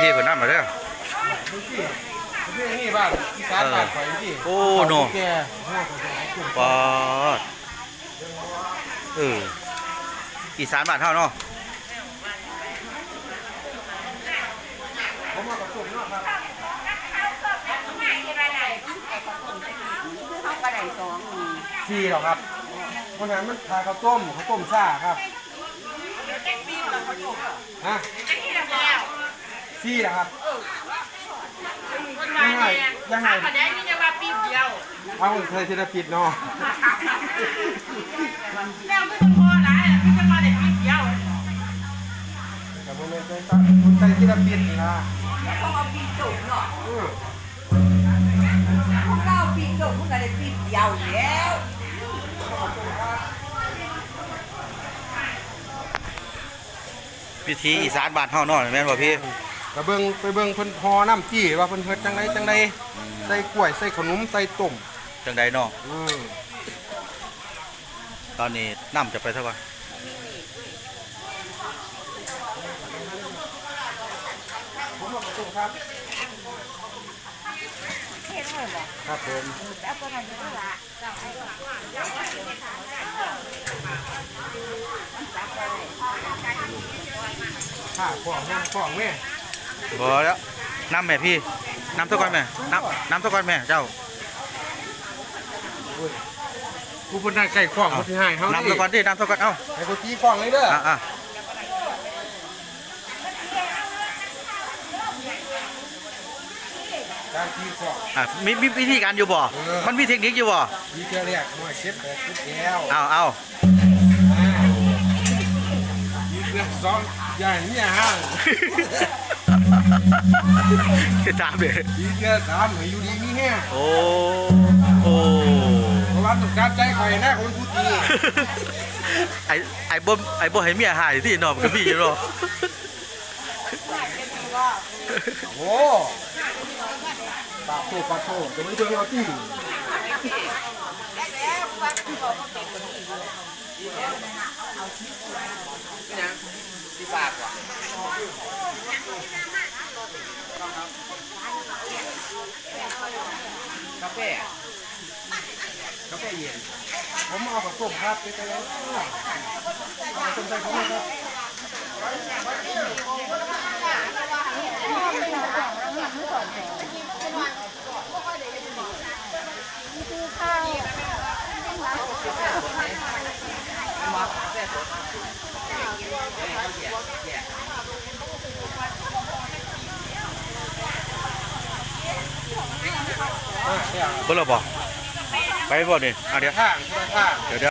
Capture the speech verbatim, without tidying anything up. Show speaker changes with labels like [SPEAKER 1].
[SPEAKER 1] ธีเพิ่นนำมาเด้อ
[SPEAKER 2] นี่บ้านอีสานบ้านข่อยที่
[SPEAKER 1] โอ้โนปอดเอออีสานบ้านเฮาเนาะ
[SPEAKER 2] ผมมากับตุ่มเนาะครับสี่หรอครับเพราะฉะนั้นมันทาข้าวต้มข้าวต้มซ่าครับฮะสี่หรอครับยังไงยังไง
[SPEAKER 3] ประเด็นนี้จะมาปีเดียว
[SPEAKER 2] เอาเคยเทเลปิดเนาะ
[SPEAKER 3] แล้วไม่ต้องพอหลายไม่จะมาได้ปีเดียว
[SPEAKER 2] แต่โมเมนต์ใจตั้งคนใจเทเลปิดนี่นะ
[SPEAKER 4] ต้องเอาปีจุ่มเนาะพวกเราปีจุ่มพวกเราได้ปีเดียวแล้ว
[SPEAKER 1] พิธีอีสานบ้านเฮาเนาะแม่นบ่พี่
[SPEAKER 2] ไปเบิ่งไปเบิ่งเพิ่นพอน้ำจี้ว่าเพิ่นเฮ็ดจังไดจังไดใส่กล้วยใส่ขนมใส่ต้ม
[SPEAKER 1] จังไดเนาะ
[SPEAKER 2] อือ
[SPEAKER 1] ตอนนี้น้ำจะไปเท่าไหร่
[SPEAKER 2] ผมมาส่งครับครับผมข้าของน้ำของแม่
[SPEAKER 1] บ่แล้วน้ำแม่พี่น้ำเท่ากันแม่น้ำน้ำเท่ากันแม่เจ้า
[SPEAKER 2] กูเป็นนายไก่ขวางเขาที่ให้เขา
[SPEAKER 1] น้ำเท่ากันดิน้ำเท่ากันเอ้า
[SPEAKER 2] ให้กูจี้ขวางเลยเด้อ
[SPEAKER 1] อ่ะ
[SPEAKER 2] การจี้ขวาง
[SPEAKER 1] อ่ะมีมีวิธีการอยู่บ่มันมีเทคนิคอยู่บ่
[SPEAKER 2] มีเกลียกหน่อยเช็ดแบบทุกแก้ว
[SPEAKER 1] เอาเอา
[SPEAKER 2] มีเกลือซ้อนอย่างนี้ฮะ
[SPEAKER 1] สามเลย
[SPEAKER 2] มีเกลือสามอยู่ดีมีแห้ง
[SPEAKER 1] โอ้โอ้
[SPEAKER 2] เพราะว่าต้องการใจคอยนะคนพูดดี
[SPEAKER 1] ไอ้ไอ้บ่ไอ้บ่ให้เมียหายที่นอนกับพี่อยู่เนาะ
[SPEAKER 2] โอ้ปากโตปากโตจะไม่เบิ่งเอาที่ที่ปากว่ะกาแฟกาแฟเย็นผมเอาผสมครับไปแล้วผสมใส่ผมครับ
[SPEAKER 1] เบิ่งแล้วบ่ไปบ่นี่อ่ะเดี๋ยว
[SPEAKER 2] ข้างข้าง
[SPEAKER 1] เดี๋ยว